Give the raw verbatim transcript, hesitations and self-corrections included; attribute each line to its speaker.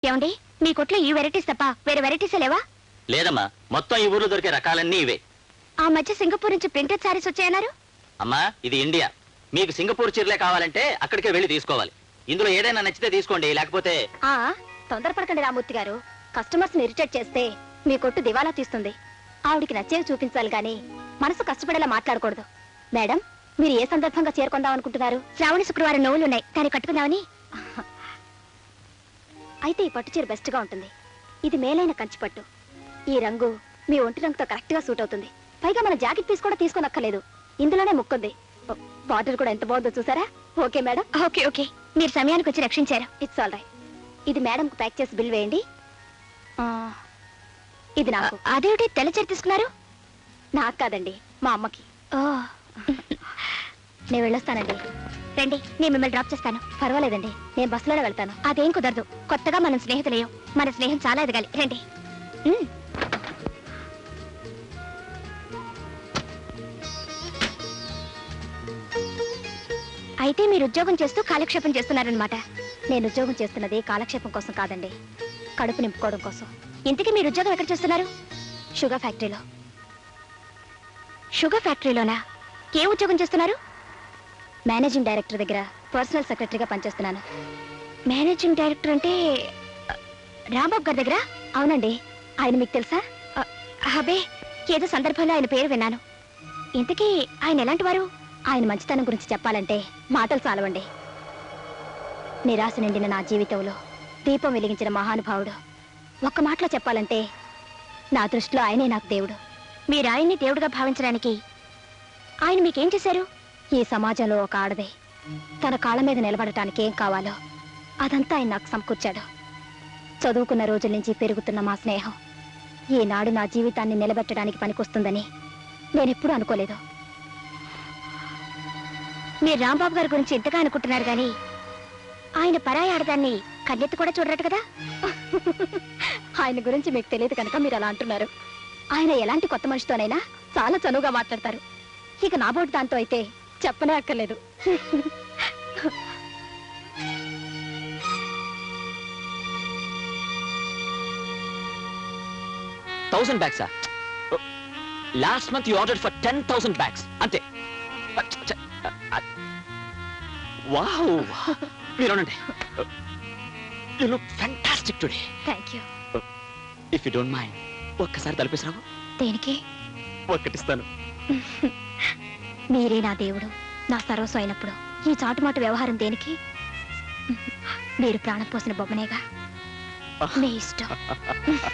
Speaker 1: ఏమండి మీ కొట్లో ఈ వెరైటీస్ తప్ప వేరే వెరైటీస్ లేవా?
Speaker 2: లేదమ్మా, మొత్తం ఈ ఊర్లో దొరికే రకాలన్నీ ఇవే.
Speaker 1: ఆ మధ్య సింగపూర్ నుంచి ప్రింటెడ్ సారీస్ వచ్చాయన్నారు.
Speaker 2: అమ్మా, ఇది ఇండియా. మీకు సింగపూర్ చీరలే కావాలంటే అక్కడికే వెళ్ళి తీసుకోవాలి. ఇందులో ఏదైనా నచ్చితే తీసుకోండి, లేకపోతే
Speaker 1: ఆ తొందరపడకండి రామూర్తి గారు. కస్టమర్స్ ని ఇరిటేట్ చేస్తే మీ కొట్టు దివాలా తీస్తుంది. ఆవిడికి నచ్చేవి చూపించాలి గాని మనసు కష్టపడేలా మాట్లాడకూడదు. మేడం, మీరు ఏ సందర్భంగా చేరుకుందాం అనుకుంటున్నారు? శ్రావణ శుక్రవారం నోవులు ఉన్నాయి, దాన్ని కట్టుకుందామని. అయితే ఈ పట్టు చీర బెస్ట్ గా ఉంటుంది. ఇది మేలైన కంచి పట్టు. ఈ రంగు మీ ఒంటి రంగుతో కరెక్ట్ గా సూట్ అవుతుంది. పైగా మన జాకెట్ పీస్ కూడా తీసుకోనక్కర్లేదు, ఇందులోనే ముక్కుంది. బార్డర్ కూడా ఎంత బాగుందో చూసారా? Okay madam. ఓకే ఓకే, మీరు సమయానికి వచ్చి రక్షించారు. It's all right. ఇది మేడం కు ప్యాక్ చేసి బిల్ వేయండి. ఇది నాకు. అదేమిటి తెల్ల చీర తీసుకున్నారు? నాకు కాదండి, మా అమ్మకి. నేను వెళ్ళొస్తానండి. రండి, నేను మిమ్మల్ని డ్రాప్ చేస్తాను. పర్వాలేదండి, నేను బస్సులోనే వెళ్తాను. అదేం కుదరదు, కొత్తగా మనం స్నేహితులేం. మన స్నేహం చాలా ఎదగాలి. రండి. అయితే మీరు ఉద్యోగం చేస్తూ కాలక్షేపం చేస్తున్నారనమాట. నేను ఉద్యోగం చేస్తున్నది కాలక్షేపం కోసం కాదండి, కడుపు నింపుకోవడం కోసం. ఇంతకీ మీరు ఉద్యోగం ఎక్కడ చేస్తున్నారు? షుగర్ ఫ్యాక్టరీలో. షుగర్ ఫ్యాక్టరీలోనా? ఏ ఉద్యోగం చేస్తున్నారు? మేనేజింగ్ డైరెక్టర్ దగ్గర పర్సనల్ సెక్రటరీగా పనిచేస్తున్నాను. మేనేజింగ్ డైరెక్టర్ అంటే రాంబాబు గారి దగ్గర? అవునండి. ఆయన మీకు తెలుసా? అబే, ఏదో సందర్భంలో ఆయన పేరు విన్నాను. ఇంతకీ ఆయన ఎలాంటి వారు? ఆయన మంచితనం గురించి చెప్పాలంటే మాటలు చాలవండి. నిరాశ నిండిన నా జీవితంలో దీపం వెలిగించిన మహానుభావుడు. ఒక్క మాటలో చెప్పాలంటే నా దృష్టిలో ఆయనే నాకు దేవుడు. మీరు ఆయన్ని దేవుడుగా భావించడానికి ఆయన మీకేం చేశారు? ఈ సమాజంలో ఒక ఆడదే తన కాళ్ళ మీద నిలబడటానికి ఏం కావాలో అదంతా ఆయన నాకు సమకూర్చాడు. చదువుకున్న రోజుల నుంచి పెరుగుతున్న మా స్నేహం ఈనాడు నా జీవితాన్ని నిలబెట్టడానికి పనికొస్తుందని నేనెప్పుడూ అనుకోలేదు. మీరు రాంబాబు గారి గురించి ఇంతగా అనుకుంటున్నారు గాని ఆయన పరాయి ఆడదాన్ని కన్నెత్తి కూడా చూడరట కదా. ఆయన గురించి మీకు తెలియదు కనుక మీరు అలా అంటున్నారు. ఆయన ఎలాంటి కొత్త మనిషితోనైనా చాలా చనువుగా మాట్లాడతారు. ఇక నా బోటి దాంతో అయితే చెప్పనే అక్కర్లేదు.
Speaker 2: థౌసండ్ బ్యాగ్సా? Last month you order for ten thousand bags అంతే. వావ్, మీరు అనండి. You look fantastic today.
Speaker 1: Thank you.
Speaker 2: If you don't mind ఒక్కసారి తలపేసిరావు.
Speaker 1: దేనికి?
Speaker 2: ఒక్కటిస్తాను.
Speaker 1: మీరే నా దేవుడు, నా సర్వస్వం అయినప్పుడు ఈ చాటుమాటు వ్యవహారం దేనికి? మీరు ప్రాణం పోసిన బొమ్మనేగా. మీ ఇష్టం.